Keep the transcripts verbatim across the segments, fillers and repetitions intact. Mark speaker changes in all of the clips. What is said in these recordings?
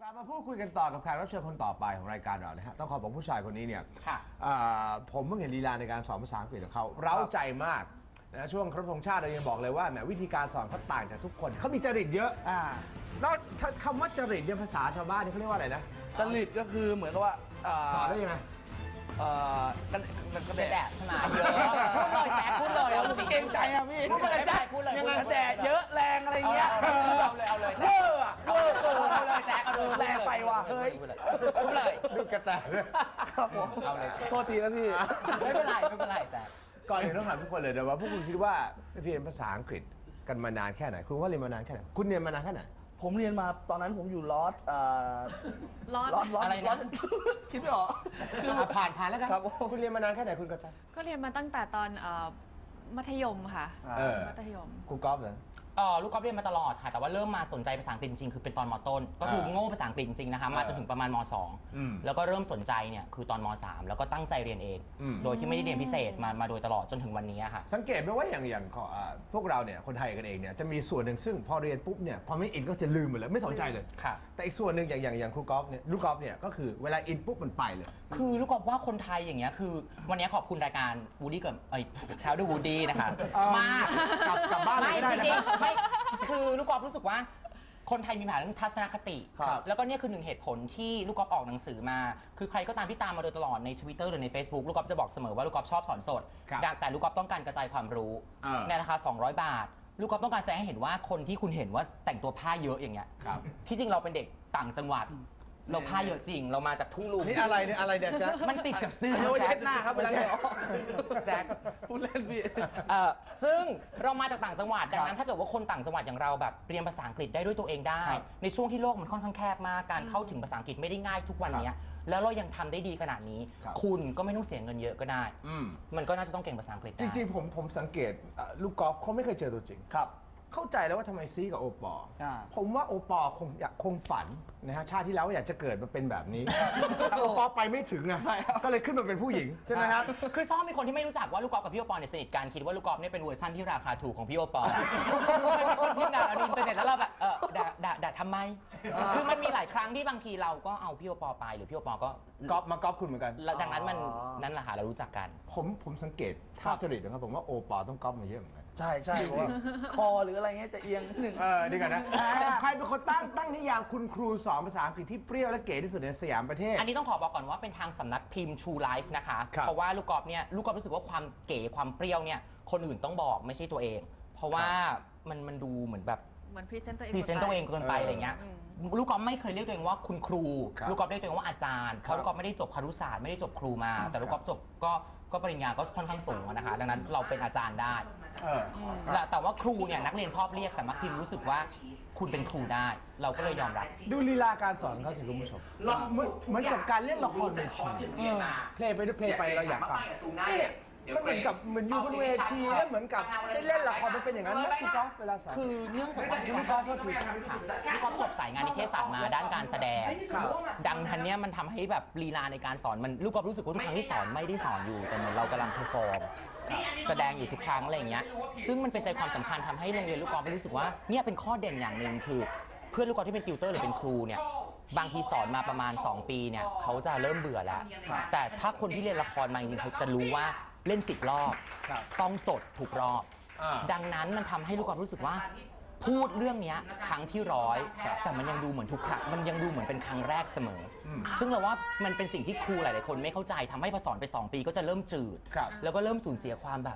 Speaker 1: กลับมาพูดคุยกันต่อกับแขกรับเชิญคนต่อไปของรายการเรานะฮะต้องขอบอกผู้ชายคนนี้เนี่ยผมเพิ่งเห็นลีลาในการสอนภาษาอังกฤษของเขาเร้าใจมากนะช่วงครบธงชาติเรายังบอกเลยว่าแหมวิธีการสอนเขาต่างจากทุกคนเขามีจริตเยอะแล้วคำว่าจริตเนี่ยภาษาชาวบ้านนี่เขาเรียกว่าอะไรนะ
Speaker 2: จริตก็คือเหมือนกับว่า
Speaker 1: สอนได้ยังไง
Speaker 2: เอ่อกันกันแดด
Speaker 3: ใช่ไหมเยอะพูดเลยแจ๊คพูดเลยเอาจริง
Speaker 2: เก่งใจอ่ะพี่
Speaker 3: พูดเลยแจ๊คพูดเลย
Speaker 2: ยังไงแดดเยอะแรงอะไรเงี้ย
Speaker 3: เอาเลยเอาเลย
Speaker 2: เวอร์อะเวอร์
Speaker 3: เอาเลยแจ๊คเอาเลย
Speaker 2: แรงไปว่ะเฮ้ย
Speaker 3: พูดเลย
Speaker 1: ดูกระแต
Speaker 2: ครับผม
Speaker 3: เอาเลย
Speaker 2: โทษทีนะพี่
Speaker 3: ไม่เป็นไรไม่เป็นไรแจ๊ค
Speaker 1: ก่อนอื่นต้องถามทุกคนเลยนะว่าพวกคุณคิดว่าเรียนภาษาอังกฤษกันมานานแค่ไหนคุณว่าเรียนมานานแค่ไหนคุณเรียนมานานแค่ไหน
Speaker 2: ผมเรียนมาตอนนั้นผมอยู่ลอส
Speaker 4: ลอส
Speaker 2: ลอสอะไรนะคิดไม่ออก
Speaker 1: คือผ่านผ่านแล้วกันคุณเรียนมานานแค่ไหนคุณกระแต
Speaker 4: ก็เรียนมาตั้งแต่ตอนมัธยมค่ะมัธยม
Speaker 1: คุณก๊อฟเหรอ
Speaker 3: อ๋อลูกก๊อฟเรียนมาตลอดค่ะแต่ว่าเริ่มมาสนใจภาษาอังกฤษจริงคือเป็นตอนม.ต้นก็คือโง่ภาษาอังกฤษจริงนะคะมาจนถึงประมาณม.สองแล้วก็เริ่มสนใจเนี่ยคือตอนม.สามแล้วก็ตั้งใจเรียนเองโดยที่ไม่ได้เรียนพิเศษมามาโดยตลอดจนถึงวันนี้ค่ะ
Speaker 1: สังเกตไหมว่าอย่างอย่างพวกเราเนี่ยคนไทยกันเองเนี่ยจะมีส่วนหนึ่งซึ่งพอเรียนปุ๊บเนี่ยพอไม่อินก็จะลืมหมดเลยไม่สนใจเลยแต่อีกส่วนหนึ่งอย่างอย่างอย่างครูก๊อฟเนี่ยลูกก๊อฟเนี่ยก็คือเวลาอินปุ๊บมันไปเลย
Speaker 3: คือลูกก๊อฟว่าคนไทยอย่างเงี้ยคือวันนี้ขอบคุณรายการวูดี้กับไอ้เช้าดูวูดี้นะคะมาก
Speaker 1: กลับบ้านไม่ได้
Speaker 3: จริงๆไม่คือลูกก๊อฟรู้สึกว่าคนไทยมีปัญหาเรื่องทัศนคติแล้วก็เนี่ยคือหนึ่งเหตุผลที่ลูกก๊อฟออกหนังสือมาคือใครก็ตามที่ตามมาโดยตลอดใน Twitter หรือใน Facebook ลูกก๊อฟจะบอกเสมอว่าลูกก๊อฟชอบสอนสดแต่ลูกก๊อฟต้องการกระจายความรู้ในราคาสองร้อยบาทลูกก๊อฟต้องการแสดงให้เห็นว่าคนที่คุณเห็นว่าแต่งตัวผ้าเยอะอย่างเงี้ยที่จริงเราเป็นเด็กต่างจังหวัดเราผ้าเยอะจริงเรามาจากทุ่งลุง
Speaker 1: นี่อะไรเนี่ยอะไรเนี่ยแจ๊ค
Speaker 3: มันติดกับเสื้อ
Speaker 2: เราเช็ดหน้าครับเวลา
Speaker 3: แจ๊ค
Speaker 2: พูดเล่นพี่
Speaker 3: ซึ่งเรามาจากต่างจังหวัดดังนั้นถ้าเกิดว่าคนต่างจังหวัดอย่างเราแบบเรียนภาษาอังกฤษได้ด้วยตัวเองได้ในช่วงที่โลกมันค่อนข้างแคบมากการเข้าถึงภาษาอังกฤษไม่ได้ง่ายทุกวันนี้แล้วเรายังทำได้ดีขนาดนี้คุณก็ไม่ต้องเสียเงินเยอะก็ได้มันก็น่าจะต้องเก่งภาษาอังกฤษ
Speaker 1: จริงๆผมผมสังเกตลูกกอล์ฟเขาไม่เคยเจอตัวจริงครับเข้าใจแล้วว่าทำไมซีกับโอปอล์ผมว่าโอปอล์คงอยากคงฝันนะฮะชาติที่แล้วอยากจะเกิดมาเป็นแบบนี้แต่โอปอล์ไปไม่ถึงนะก็เลยขึ้นมาเป็นผู้หญิงใช่ไหมครับ
Speaker 3: คือซ้อมมีคนที่ไม่รู้จักว่าลูกกอล์ฟกับพี่โอปอล์เนี่ยสนิทกันคิดว่าลูกกอล์ฟเนี่ยเป็นเวอร์ชันที่ราคาถูกของพี่โอปอล์คนพิมพ์ด่าเราในอินเทอร์เน็ตแล้วเราแบบเออด่าด่าด่าทำไมคือมันมีหลายครั้งที่บางทีเราก็เอาพี่โอปอล์ไปหรือพี่โอปอล์ก็
Speaker 1: ก๊อฟมาก๊อฟคุณเหมือนกัน
Speaker 3: ดังนั้นมันนั่นแหละค่ะเรารู้จักกัน
Speaker 1: ผมผมสังเกตภาพจริตนะครับผมว่าโอปอล์ต้องก๊อฟมาเยอะเหมือนกัน
Speaker 2: ใช่ใช่เพราะว่าคอหรืออะไรเงี้ยจะเอียงหนึ่ง
Speaker 1: เออดีกันนะใครเป็นคนตั้งตั้งนิยามคุณครูสอนภาษาอังกฤษที่เปรี้ยวและเก๋ที่สุดในสยามประเทศ
Speaker 3: อันนี้ต้องขอบอกก่อนว่าเป็นทางสำนักพิมพ์ True Life นะคะเพราะว่าลูกกอล์ฟเนี่ยลูกกอล์ฟรู้สึกว่าความเก๋ความเปรี้ยวเนี่ยคนอื่นต้องบอกไม่ใช่ตัวเองเพราะว่ามันมันดูเหมือนแบบ
Speaker 4: เหมือนพรีเซนต์ตัวเอง
Speaker 3: พรีเซนต์ตัวเองเกินไปอะไรเงี้ยลูกกอล์ฟไม่เคยเรียกตัวเองว่าคุณครูลูกกอล์ฟเรียกตัวเองว่าอาจารย์เพราะลูกกอล์ฟไม่ได้จบครุศาสตร์ไม่ได้จบครูมาแต่ลูกกอล์ฟจบก็ก็ปริญญาก็ค่อนข้างสูงนะคะดังนั้นเราเป็นอาจารย์ได้แต่ว่าครูเนี่ยนักเรียนชอบเรียกสำนักพิมพ์รู้สึกว่าคุณเป็นครูได้เราก็เลยยอมรับ
Speaker 1: ดูลีลาการสอนเขาสิคุณผู้ชมเหมือนกับการเล่นละครเวทีเพลย์ไปด้วยเพลย์ไปเราอยากฟังมันเหมือนกับเหมือนอยู่บนเวทีแล้วเหมือนกับได้เล่นละครมันเป็นอย่างนั้นนะคุณก๊อฟเวลาสอน
Speaker 3: คือเนื่องจากว่าลูกก๊อฟก็คือลูกก๊อฟจบสายงานนิเทศศาสตร์มาด้านการแสดงดังนั้นเนี่ยมันทำให้แบบลีลาในการสอนมันลูกก๊อฟรู้สึกว่าทุกครั้งที่สอนไม่ได้สอนอยู่แต่เหมือนเรากำลังเพอร์ฟอร์มแสดงอยู่ทุกครั้งอะไรอย่างเงี้ยซึ่งมันเป็นใจความสำคัญทำให้โรงเรียนลูกก๊อฟรู้สึกว่าเนี่ยเป็นข้อเด่นอย่างหนึ่งคือเพื่อนลูกกอล์ฟที่เป็นติวเตอร์หรือเป็นครูเนี่ยบางทีสอนมาประมาณสองปีเนี่ยเขาจะเริ่มเบื่อแล้วแต่ถ้าคนที่เรียนละครมาจริงๆเขาจะรู้ว่าเล่นสิบรอบต้องสดถูกรอบดังนั้นมันทำให้ลูกกอล์ฟรู้สึกว่าพูดเรื่องนี้ครั้งที่ร้อยแต่มันยังดูเหมือนทุกครั้งมันยังดูเหมือนเป็นครั้งแรกเสมอซึ่งเราว่ามันเป็นสิ่งที่ครูหลายๆคนไม่เข้าใจทำให้พอสอนไปสองปีก็จะเริ่มจืดแล้วก็เริ่มสูญเสียความแบบ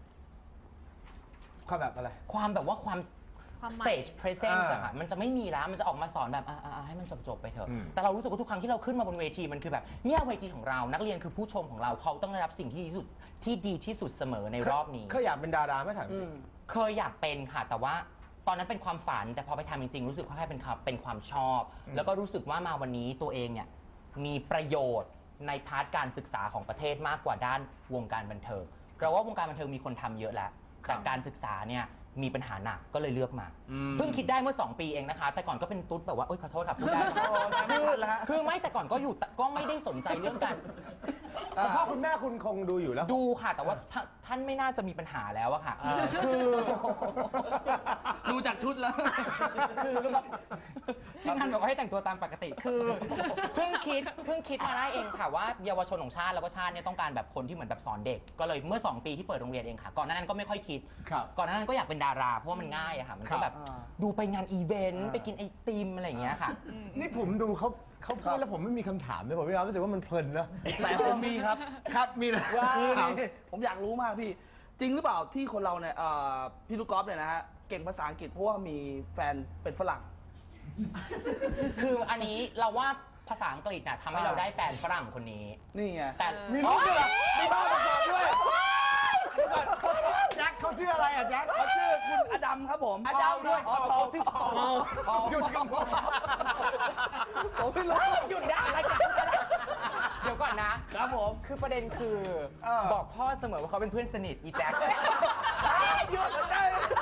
Speaker 1: ความแบบอะไร
Speaker 3: ความแบบว่าความstage presence อะค่ะมันจะไม่มีแล้วมันจะออกมาสอนแบบอ่าให้มันจบๆไปเถอะแต่เรารู้สึกว่าทุกครั้งที่เราขึ้นมาบนเวทีมันคือแบบเนี่ยเวทีของเรานักเรียนคือผู้ชมของเราเขาต้องได้รับสิ่งที่ดีที่สุดที่ดีที่สุดเสมอในรอบนี้
Speaker 1: เคยอยากเป็นดาราไหมถามจริง
Speaker 3: เคยอยากเป็นค่ะแต่ว่าตอนนั้นเป็นความฝันแต่พอไปทำจริงๆรู้สึกว่าแค่เป็นความเป็นความชอบแล้วก็รู้สึกว่ามาวันนี้ตัวเองเนี่ยมีประโยชน์ในพาร์ทการศึกษาของประเทศมากกว่าด้านวงการบันเทิงเราว่าวงการบันเทิงมีคนทำเยอะแล้วแต่การศึกษาเนี่ยมีปัญหาหนักก็เลยเลือกมาเพิ่งคิดได้เมื่อสองปีเองนะคะแต่ก่อนก็เป็นตุ๊ดแบบว่าเอ้ยขอโทษครับพูดได้คือคือไม่แต่ก่อนก็อยู่ก็ไม่ได้สนใจเรื่องการ
Speaker 1: พ่อคุณแม่คุณคงดูอยู่แล้ว
Speaker 3: ดูค่ะแต่ว่าท่านไม่น่าจะมีปัญหาแล้วอะค่ะคือ
Speaker 2: ดูจากชุดแล้ว
Speaker 3: คือลูกก็ที่งานบอกว่าให้แต่งตัวตามปกติ คือเพิ่งคิดเพิ่งคิดมาได้เองค่ะว่าเยาวชนของชาติแล้วก็ชาติเนี่ยต้องการแบบคนที่เหมือนแบบสอนเด็ก ก็เลยเมื่อสองปีที่เปิดโรงเรียนเองค่ะ ก่อนหน้านั้นก็ไม่ค่อยคิด
Speaker 1: ครับ
Speaker 3: ก่อนหน้านั้นก็อยากเป็นดาราเพราะว่ามันง่ายอะค่ะ มัน
Speaker 1: ครั
Speaker 3: ก็
Speaker 1: บ
Speaker 3: แบบดูไปงานอีเวนต์ไปกินไอติมอะไรอย่างเงี้ยค่ะ
Speaker 1: นี่ผมดูเขาเขาพูดแล้วผมไม่มีคำถามเลยผมไม่รู้สึกว่ามันเพลินนะ
Speaker 2: แต่ผมมีครับ
Speaker 1: ครับมีเลย
Speaker 2: คือนี่ผมอยากรู้มากพี่ จริงหรือเปล่าที่คนเราเนี่ยเอ่อพี่ลูกกอล์ฟเนี่ยนะฮะเก่งภาษาอังกฤษเพราะว่ามีแฟนเป็นฝรั่ง
Speaker 3: คืออันนี้เราว่าภาษาอังกฤษน่ะทำให้เราได้แฟนฝรั่งคนนี้
Speaker 2: นี่ไง
Speaker 3: แต่
Speaker 1: มีลูกด้วยเหรอมีบ้านประกอบด้วยเดี๋ยวก่อนเขาแจ็คเขาชื่ออะไรอ่ะแจ็ค
Speaker 2: เขาชื่อคุณอดัมครับผม
Speaker 1: อดัมด้วย
Speaker 2: อ๋อทองที่ทองทอง
Speaker 1: หยุดกัน
Speaker 2: ผมไม่รู้
Speaker 3: หยุดได้อะไรกันเดี๋ยวก่อนนะ
Speaker 2: ครับผม
Speaker 3: คือประเด็นคือ
Speaker 1: เออ
Speaker 3: บอกพ่อเสมอว่าเขาเป็นเพื่อนสนิทอีแจ็ค
Speaker 2: หยุดได้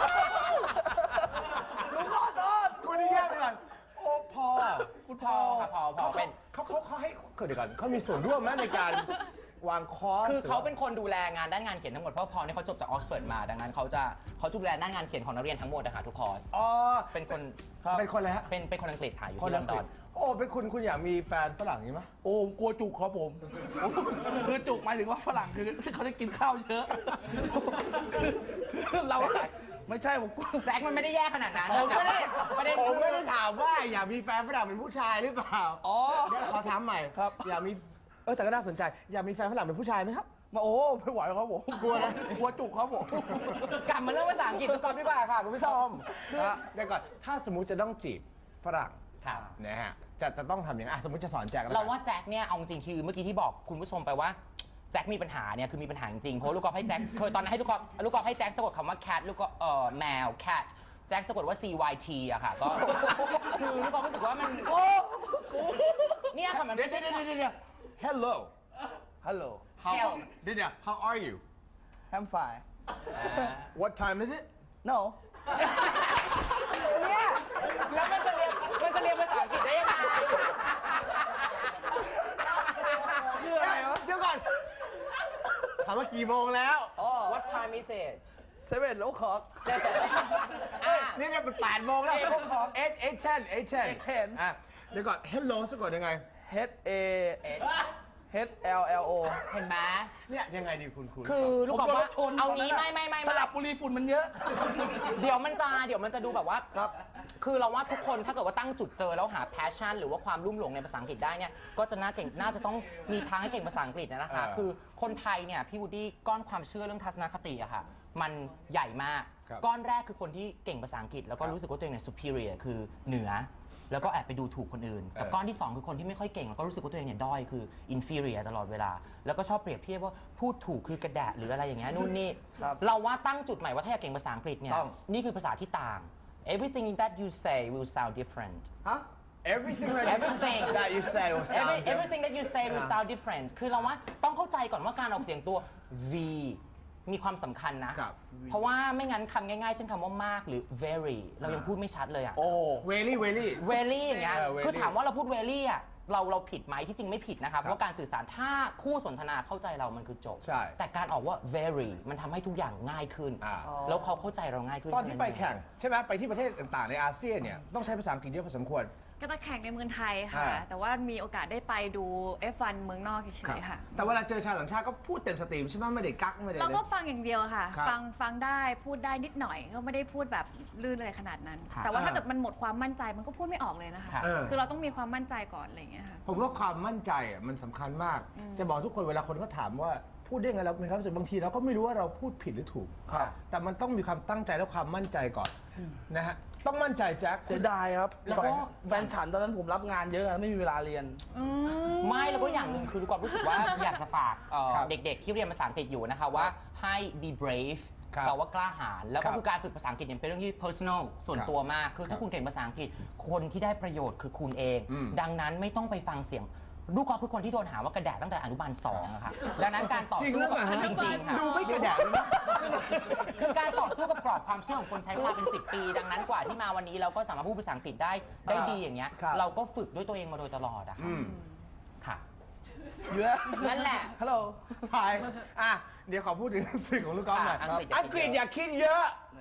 Speaker 1: ลุงขอโทษคุณนี่แย่ไปก่อนโอ้พอ
Speaker 3: คุณพ่อค่ะพ่อพ่อเป็น
Speaker 1: เขาเขาเขาให้เดี๋ยวก่อนเขามีส่วนร่วมไหมในการวางคอร์ส
Speaker 3: คือเขาเป็นคนดูแลงานด้านงานเขียนทั้งหมดเพราะพอเนี่ยเขาจบจากออกซฟอร์ดมาดังนั้นเขาจะเขาดูแลด้านงานเขียนของนักเรียนทั้งหมดนะคะทุกคอร์ส
Speaker 1: อ๋อ
Speaker 3: เป็นคน
Speaker 1: เป็นคนอะไรฮะ
Speaker 3: เป็นเป็นคนอังกฤษค่ะอยู่
Speaker 1: คน
Speaker 3: ที่ล
Speaker 1: อั
Speaker 3: อง น
Speaker 1: ก
Speaker 3: ด
Speaker 1: ฤ
Speaker 3: อ
Speaker 1: ษ
Speaker 3: น
Speaker 1: โอ้เป็นคุณคุณอยากมีแฟนฝรั่งนี้ไหม
Speaker 2: โอ้กลัวจุกครับผม คือจุกหมายถึงว่าฝรั่งคือเขาจะกินข้าวเยอะคือเราไม่ใช่ผมกลัว
Speaker 3: แจ็คมันไม่ได้แย่ขนาดนั้น
Speaker 1: ผมไม่ได้
Speaker 3: ประเด็น
Speaker 1: ผม
Speaker 3: คือ
Speaker 1: ไม่ได้ถามว่าอยากมีแฟนฝรั่งเป็นผู้ชายหรือเปล่า
Speaker 2: อ๋อ
Speaker 1: เดี๋ยวขอถามใหม่
Speaker 2: ครับ
Speaker 1: อยากมีเออแต่ก็น่าสนใจอยากมีแฟนฝรั่งเป็นผู้ชายไหมครับ
Speaker 2: มาโอ้ไม่ไหวครับผมกลัวนะกลัวจุกครับผม
Speaker 3: กลับมาเรื่องภาษาอังกฤษก่อนดีกว่าค่ะคุณผู้ชม
Speaker 1: คือเดี๋ยวก่อนถ้าสมมุติจะต้องจีบฝรั่ง
Speaker 3: ค่ะ
Speaker 1: นะฮะจะจะต้องทำอย่างไรอ่ะสมมติจะสอนแจ็คแล้วกัน
Speaker 3: เราว่าแจ็คเนี่ยเอาจริงๆคือเมื่อกี้ที่บอกคุณผู้ชมไปว่าแจ็คมีปัญหาเนี่ยคือมีปัญหาจริงๆเพราะลูกกอล์ฟให้แจ็คเคยตอนนั้นให้ลูกกอล์ฟลูกกอล์ฟให้แจ็คสะกดคำว่า cat ลูกก็เอ่อแมว cat แจ็คสะกดว่า c y t อะค่ะก็คือลูกกอล์ฟรู้สึกว่ามันเนี่ยค่ะมัน
Speaker 1: เดี๋ยว
Speaker 3: ไม่
Speaker 1: เดี๋
Speaker 3: ใช่
Speaker 1: ยวเดี๋ยวเดี๋ยว hello
Speaker 2: ฮัลโหล
Speaker 1: how เดี๋ยวเดี๋ยว how are you
Speaker 2: I'm fine
Speaker 1: what time is it
Speaker 2: no
Speaker 3: เนี่ยแล้วมันจะเรียนมันจะเรียนภาษาอังกฤษได้ยังไง
Speaker 1: คืออะไรวะเดี๋ยวก่อนถามว่ากี่โมงแล้ว
Speaker 3: What time is it
Speaker 2: เซเว่นโลคอก
Speaker 3: เสร็จอ่ะ
Speaker 1: นี่เนี่ยเป็นแปดโมงแล้ว
Speaker 3: eight o'clock
Speaker 1: eight eight ten eight ten
Speaker 2: eight ten
Speaker 1: อ่ะเดี๋ยวก่อน hello สะกดยังไง
Speaker 2: H A
Speaker 3: H
Speaker 2: H L L O
Speaker 3: เห็นไหม
Speaker 1: เนี่ยยังไงดีคุณคุณ
Speaker 3: คือลูกกอล์ฟ
Speaker 2: ผมโดนร
Speaker 3: ว่า
Speaker 2: ถชน
Speaker 3: เอา
Speaker 2: ตน
Speaker 3: งี้
Speaker 2: นั้น
Speaker 3: ไม่
Speaker 2: น่ะ
Speaker 3: ไม่ไม่
Speaker 2: ส
Speaker 3: ไม่
Speaker 2: ลับบุรีฝุ่นมันเยอะ
Speaker 3: เดี๋ยวมันจะเดี๋ยวมันจะดูแบบว่า
Speaker 2: ครับ
Speaker 3: คือเราว่าทุกคนถ้าเกิดว่าตั้งจุดเจอแล้วหา passion หรือว่าความรุ่มหลงในภาษาอังกฤษได้เนี่ยก็จะน่าเก่งน่าจะต้องมีทางให้เก่งภาษาอังกฤษนะคะ คือคนไทยเนี่ยพี่วูดดี้ก้อนความเชื่อเรื่องทัศนคติอะค่ะมันใหญ่มาก ก้อนแรกคือคนที่เก่งภาษาอังกฤษแล้วก็รู้สึกว่าตัวเองเนี่ย superior คือเหนือ แล้วก็แอบไปดูถูกคนอื่นกับก้อนที่สองคือคนที่ไม่ค่อยเก่งแล้วก็รู้สึกว่าตัวเองเนี่ยด้อยคือ inferior ตลอดเวลาแล้วก็ชอบเปรียบเทียบว่าพูดถูกคือกระแดะหรืออะไรอย่างเงี้ยนู่นนี่
Speaker 2: ครับ
Speaker 3: เราว่าตั้งจุดใหม่ว่าถ้าอยากเก่งภาษาอังกฤษเนี่ย
Speaker 1: ต้อง
Speaker 3: นี่คือภาษาที่ต่าง everything that you say will sound different
Speaker 2: ฮะ
Speaker 1: everything that
Speaker 3: Everything
Speaker 1: that you say will sound
Speaker 3: Every, everything that you say will sound different คือเราว่าต้องเข้าใจก่อนว่าการออกเสียงตัว v มีความสำคัญนะ
Speaker 1: ครับ
Speaker 3: เพราะว่าไม่งั้นคำง่ายๆเช่นคำว่ามากหรือ very เรายังพูดไม่ชัดเลยอะ
Speaker 2: โอ้
Speaker 1: very very
Speaker 3: very อย่างเงี้ย
Speaker 1: เออ very
Speaker 3: คือถามว่าเราพูด very อะเราเราผิดไหมที่จริงไม่ผิดนะครับเพราะการสื่อสารถ้าคู่สนทนาเข้าใจเรามันคือจบ
Speaker 1: ใช่
Speaker 3: แต่การออกว่า very มันทำให้ทุกอย่างง่ายขึ้น
Speaker 1: อ่า
Speaker 3: แล้วเขาเข้าใจเราง่ายขึ้น
Speaker 1: ตอนที่ไปแข่งใช่ไหมไปที่ประเทศต่างๆในอาเซียนเนี่ยต้องใช้ภาษาอังกฤษเยอะพอสมควร
Speaker 4: ก็จะแข่งในเมืองไทยค่ะ
Speaker 1: อ่า
Speaker 4: แต่ว่ามีโอกาสได้ไปดู เอฟ วัน เมืองนอกเฉยๆค่ะ
Speaker 1: แต่เวลาเจอชาวต่างชาติก็พูดเต็มสตรีมใช่ไหมไม่ได้กักไม่ได้
Speaker 4: เรา
Speaker 1: เลย
Speaker 4: ก็ฟังอย่างเดียวค่ะ
Speaker 1: ครับ
Speaker 4: ฟังฟังได้พูดได้นิดหน่อย ก็ไม่ได้พูดแบบลื่นเลยขนาดนั้น
Speaker 3: ครับ
Speaker 4: แต่ว่าถ้า
Speaker 1: อ่า
Speaker 4: เกิดมันหมดความมั่นใจมันก็พูดไม่ออกเลยนะคะ
Speaker 3: ครับ
Speaker 1: เออ
Speaker 4: คือเราต้องมีความมั่นใจก่อนอะไรอย่างเงี้ยค่ะ
Speaker 1: ผมว่าความมั่นใจอ่ะมันสำคัญมาก จะบอกทุกคนเวลาคนเขาถามว่าพูดได้ไงเรามีความรู้สึกบางทีเราก็ไม่รู้ว่าเราพูดผิดหรือถูก
Speaker 2: ครับ
Speaker 1: แต่มันต้องมีความตั้งใจและความมั่นใจก่อนนะฮะต้องมั่นใจแจ็ค
Speaker 2: เสียดายครับ
Speaker 3: แล้วก็
Speaker 2: แฟนฉันตอนนั้นผมรับงานเยอะไม่มีเวลาเรียน
Speaker 3: ไม่แล้วก็อย่างหนึ่งคือลูกกอล์ฟรู้สึกว่า อยากจะฝากเอ่อ
Speaker 1: ครับ
Speaker 3: เด็กๆ ที่เรียนภาษาอังกฤษอยู่นะคะว่าให้ be brave
Speaker 1: ครับ
Speaker 3: แปลว่ากล้าหาญแล้ว
Speaker 1: ครั
Speaker 3: ก็
Speaker 1: บ
Speaker 3: คือการฝึกภาษาอังกฤษเนี่ยเป็นเรื่องที่ personal ส่วน
Speaker 1: ครับ
Speaker 3: ตัวมาก คือถ้าคุณเก่งภาษาอังกฤษคนที่ได้ประโยชน์คือคุณเอง
Speaker 1: อืม
Speaker 3: ดังนั้นไม่ต้องไปฟังเสียงลูกกอล์ฟคือคนที่โดนหาว่ากระแดะตั้งแต่อนุบาลสองอะค่ะดังนั้นการต่อ
Speaker 1: จริง
Speaker 3: สู้
Speaker 1: หรือ
Speaker 3: กับ
Speaker 1: เปล่าฮะ
Speaker 3: จริงๆค่ะ
Speaker 1: ดูไม่กระแดะเลยนะ
Speaker 3: คือการต่อสู้กับกรอบความเชื่อของคนใช้เวลาเป็น สิบ ปี ดังนั้นกว่าที่มาวันนี้เราก็สามารถพูดภาษาอังกฤษได้ได้ดีอย่างเงี้ย
Speaker 1: ครับ
Speaker 3: เราก็ฝึกด้วยตัวเองมาโดยตลอดอะค่ะ
Speaker 1: อืม
Speaker 3: ค่ะ
Speaker 2: เยอะ
Speaker 3: นั่นแหละ
Speaker 2: ฮัลโหล
Speaker 1: ไปอ่ะเดี๋ยวขอพูดถึงหนังสือของลูกกอล์ฟหน่อย
Speaker 3: อ่ะอังกฤษ
Speaker 1: อังกฤษอย่าคิดเยอะ
Speaker 2: แหม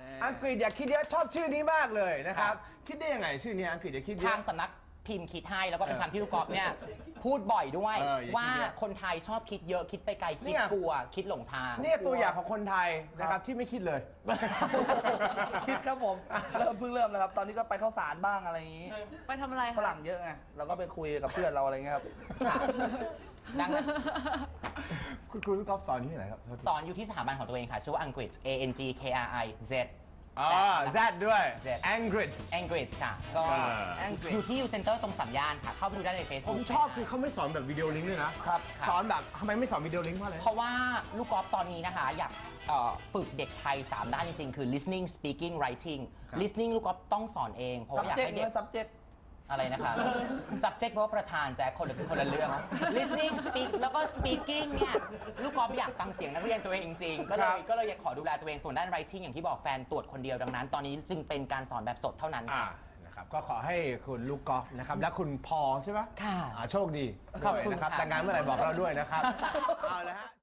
Speaker 1: อังกฤษอย่าคิดเยอะชอบชื่อนี้มากเลยนะครับคิดได้ยังไงชื่อนี้อังกฤษอย่าคิดเย
Speaker 3: ทา
Speaker 1: อะ
Speaker 3: งสำนักพิมพ์คิดให้แล้วก็เป็นคำที่ลูกกอล์ฟเนี่ยพูดบ่อยด้วย
Speaker 1: เอออย่าคิดเยอะ
Speaker 3: ว่าคนไทยชอบคิดเยอะคิดไปไกล
Speaker 1: เนี่
Speaker 3: คิด
Speaker 1: ย
Speaker 3: กลัวคิดหลงทาง
Speaker 1: เนี่ยตัวอย่างของคนไทยนะครับที่ไม่คิดเลย
Speaker 2: คิดครับผมเริ่มเพิ่งเริ่มนะครับ ตอนนี้ก็ไปเข้าสารบ้างอะไรอย่างนี้
Speaker 4: ไปทำอะไรคะ
Speaker 2: ฝรั่งเยอะไงเราก็ไปคุยกับเพื่อนเราอะไรเงี้ยครับ
Speaker 3: ค่ะดังนั้น
Speaker 1: คุณครูลูกกอล์ฟสอนที่ไหนครับ
Speaker 3: สอนอยู่ที่สถาบันของตัวเองค่ะ ชื่อว่า Angliz A N G K R I Z
Speaker 1: อ๋อ Z ด้วย
Speaker 3: Z
Speaker 1: Angliz
Speaker 3: Angliz ค่ะ ก็
Speaker 1: เออ
Speaker 3: Angliz อยู่ที่ U Center ตรงสามย่านค่ะ เข้าไปดูได้ใน
Speaker 1: ผ
Speaker 3: Facebook
Speaker 1: มชอบคือเขาไม่สอนแบบวิดีโอลิงก์ด้วยนะครับ
Speaker 3: ครับ
Speaker 1: สอนแบบทำไมไม่สอนวิดีโอลิงก์เพราะอะไร
Speaker 3: เพราะว่าลูกกอล์ฟตอนนี้นะคะ อยากเอ่อฝึกเด็กไทย สาม ด้านจริงๆ คือ listening speaking writing
Speaker 1: ครับ
Speaker 3: listening ลูกกอล์ฟต้องสอนเอง เพราะว่าอยาก
Speaker 2: subject
Speaker 3: ให้เด็
Speaker 2: ด้ว
Speaker 3: ก
Speaker 2: ย subject
Speaker 3: อะไรนะคะ subject เพราะว่าประธานแจ็คคนละคนละเรื่อง listening speak แล้วก็ speaking เนี่ยลูกกอล์ฟอยากฟังเสียงนักเรียนตัวเองจริงๆก็เล
Speaker 1: ครั
Speaker 3: ย
Speaker 1: บ
Speaker 3: ก็เลยอยากขอดูแลตัวเองส่วนด้าน writing อย่างที่บอกแฟนตรวจคนเดียวดังนั้น ตอนนี้จึงเป็นการสอนแบบสดเท่านั้น
Speaker 1: อ่านะครับก็ขอให้คุณลูกกอล์ฟนะครับและคุณพอใช่ไหม
Speaker 3: ค่ะ
Speaker 1: อ่าโชคดี
Speaker 3: ขอบคุณ
Speaker 1: ด้วยนะครับ
Speaker 3: ค่ะ
Speaker 1: แต่งงานเมื่อไหร่บอกเราด้วยนะครับ เอาละฮะ